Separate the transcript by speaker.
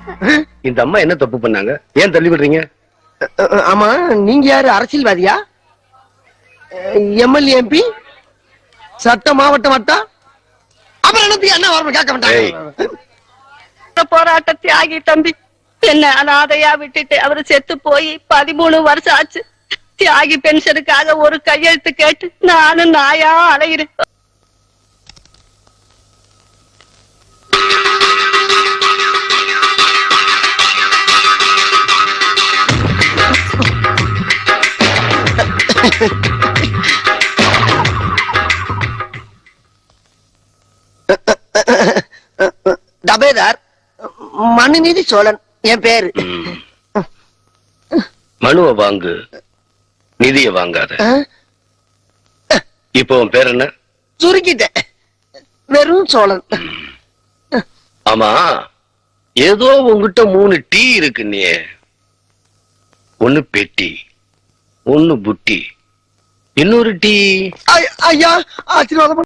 Speaker 1: இந்த அம்மா என்ன தப்பு பண்ணாங்க? ஏன் தள்ளி விடுறீங்க?
Speaker 2: ஆமா, நீங்க யாரு? அரசியல்வாதியா? எம்எல்ஏ, எம்பி, சட்ட மாவட்ட வட்டா? அப்புறம் என்ன வரணும் கேட்க மாட்டாங்க.
Speaker 3: போராட்ட தியாகி தம்பி என்ன அனாதையா விட்டுட்டு அவரு செத்து போய் 13 வருஷம் ஆச்சு. தியாகி பென்ஷனுக்காக ஒரு கையெழுத்து கேட்டு நானும் நாயா அலைகிறேன்.
Speaker 2: டபேதார் மனுநீதி சோழன் என் பேரு.
Speaker 1: மனுவை வாங்கு, நிதிய வாங்காத. இப்போ உன் பேர் என்ன?
Speaker 2: சுருக்கிட்டேன், வெறும் சோழன்.
Speaker 1: ஆமா, ஏதோ உங்ககிட்ட 3 டீ இருக்கு. நீ ஒண்ணு பெட்டி, ஒண்ணு புட்டி, இன்னொரு டீ.
Speaker 2: ஐயா ஆசீர்வாதம்.